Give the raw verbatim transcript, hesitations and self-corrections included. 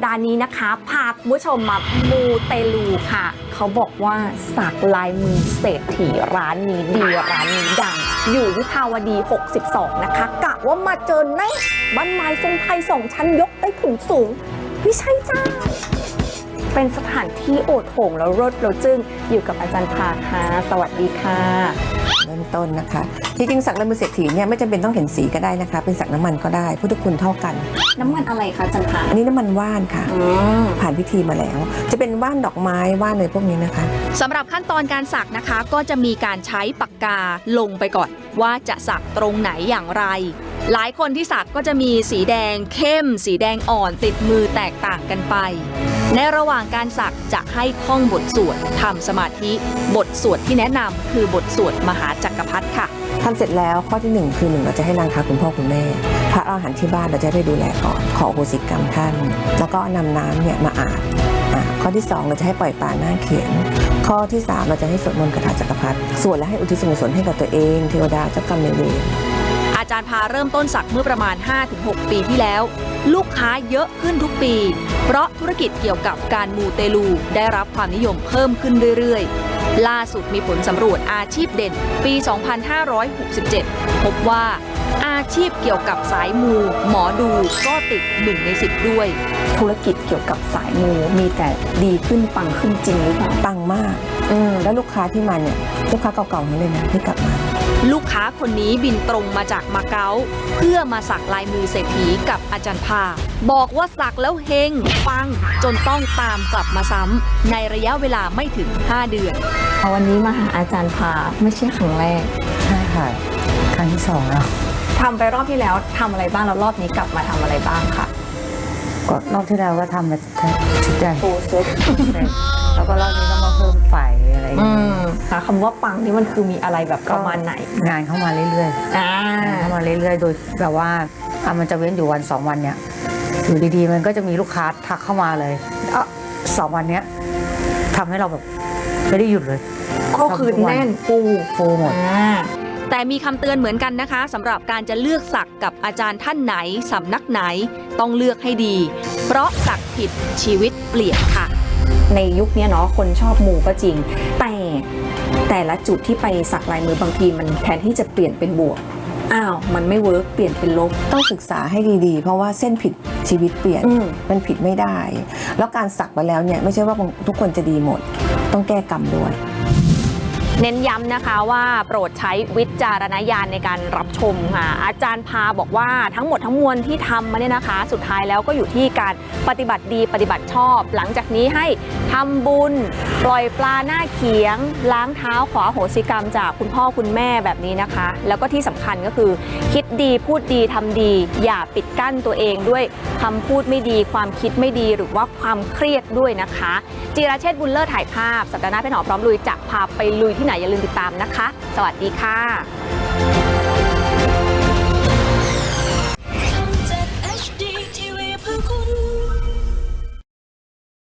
ดาห์นี้นะคะพาคุณผู้ชมมามูเตลูค่ะเขาบอกว่าสักลายมือเศรษฐีร้านนี้ดีร้านนี้ดังอยู่วิภาวดีหกสิบสองนะคะกะว่ามาเจอในบ้านไม้ทรงไทยสองชั้นยกได้ถึงสูงไม่ใช่จ้าเป็นสถานที่โอดโถงแล้วรถเราจึงอยู่กับอาจารย์ภาค่ะสวัสดีค่ะเริ่มต้นนะคะที่จริงสักลายมือเศรษฐีเนี่ยไม่จำเป็นต้องเห็นสีก็ได้นะคะเป็นสักน้ำมันก็ได้พุทธคุณเท่ากันน้ำมันอะไรคะอาจารย์ภาอันนี้น้ำมันว่านค่ะผ่านพิธีมาแล้วจะเป็นว่านดอกไม้ว่านอะไรพวกนี้นะคะสำหรับขั้นตอนการสักนะคะก็จะมีการใช้ปากกาลงไปก่อนว่าจะสักตรงไหนอย่างไรหลายคนที่สักก็จะมีสีแดงเข้มสีแดงอ่อนติดมือแตกต่างกันไปในระหว่างการสักจะให้ท่องบทสวดทำสมาธิบทสวดที่แนะนำคือบทสวดมหาจักรพรรดิค่ะทำเสร็จแล้วข้อที่หนึ่งคือหนึ่งเราจะให้นางค้าคุณพ่อคุณแม่พระอรหันต์ที่บ้านเราจะได้ดูแลก่อนขออโหสิกรรมท่านแล้วก็นำน้ำเนี่ยมาอาบข้อที่สองเราจะให้ปล่อยปลาหน้าเขียนข้อที่สามเราจะให้สวดมนต์คาถาจักรพรรดิสวดและให้อุทิศส่วนกุศลให้กับตัวเองเทวดาเจ้ากรรมนายเวรอาจารย์พาเริ่มต้นสักเมื่อประมาณ ห้าถึงหก ปีที่แล้วลูกค้าเยอะขึ้นทุกปีเพราะธุรกิจเกี่ยวกับการมูเตลูได้รับความนิยมเพิ่มขึ้นเรื่อยๆล่าสุดมีผลสำรวจอาชีพเด่นปี สองพันห้าร้อยหกสิบเจ็ด พบว่าอาชีพเกี่ยวกับสายมูหมอดูก็ติดหนึ่งในสิบด้วยธุรกิจเกี่ยวกับสายมูมีแต่ดีขึ้นปังขึ้นจริงหรือเปล่าปังมากอืมแล้วลูกค้าที่มาเนี่ยลูกค้าเก่าๆนั่นเลยนะที่กลับมาลูกค้าคนนี้บินตรงมาจากมาเก๊าเพื่อมาสักลายมือเศรษฐีกับอาจารย์ภาบอกว่าสักแล้วเฮงปังจนต้องตามกลับมาซ้ำในระยะเวลาไม่ถึงห้าเดือนวันนี้มาหาอาจารย์ภาไม่ใช่ครั้งแรกใช่ค่ะครั้งที่สองแล้วทำไปรอบที่แล้วทำอะไรบ้างแล้วรอบนี้กลับมาทำอะไรบ้างค่ะก็รอบที่แล้วก็ทำมาชุดใหญ่โอ้เซ็ตแล้วก็รอบนี้ก็มาเพิ่มไฟอะไรอย่างเงี้ยค่ะคำว่าปังนี่มันคือมีอะไรแบบประมาณไหนงานเข้ามาเรื่อยๆเข้ามาเรื่อยๆโดยแบบว่าอ่ะมันจะเว้นอยู่วันสองวันเนี้ยอยู่ดีๆมันก็จะมีลูกค้าทักเข้ามาเลยอ่ะสองวันเนี้ยทำให้เราแบบไม่ได้หยุดเลยก็คือแน่นฟูฟูหมดแต่มีคำเตือนเหมือนกันนะคะสำหรับการจะเลือกสักกับอาจารย์ท่านไหนสำนักไหนต้องเลือกให้ดีเพราะสักผิดชีวิตเปลี่ยนค่ะในยุคนี้เนาะคนชอบมูก็จริงแต่แต่ละจุดที่ไปสักลายมือบางทีมันแทนที่จะเปลี่ยนเป็นบวกอ้าวมันไม่เวิร์กเปลี่ยนเป็นลบต้องศึกษาให้ดีๆเพราะว่าเส้นผิดชีวิตเปลี่ยนมันผิดไม่ได้แล้วการสักไปแล้วเนี่ยไม่ใช่ว่าทุกคนจะดีหมดต้องแก้กรรมด้วยเน้นย้ำนะคะว่าโปรดใช้วิจารณญาณในการรับชมค่ะอาจารย์พาบอกว่าทั้งหมดทั้งมวลที่ทำมาเนี่ยนะคะสุดท้ายแล้วก็อยู่ที่การปฏิบัติดีปฏิบัติชอบหลังจากนี้ให้ทำบุญปล่อยปลาหน้าเขียงล้างเท้าขออโหสิกรรมจากคุณพ่อคุณแม่แบบนี้นะคะแล้วก็ที่สำคัญก็คือคิดดีพูดดีทำดีอย่าปิดกั้นตัวเองด้วยคำพูดไม่ดีความคิดไม่ดีหรือว่าความเครียดด้วยนะคะจิราเชษฐ์บุญเลิศถ่ายภาพสัปดาห์หน้าเป็นหอพร้อมลุยจะพาไปลุยที่ไหนอย่าลืมติดตามนะคะสวัสดีค่ะ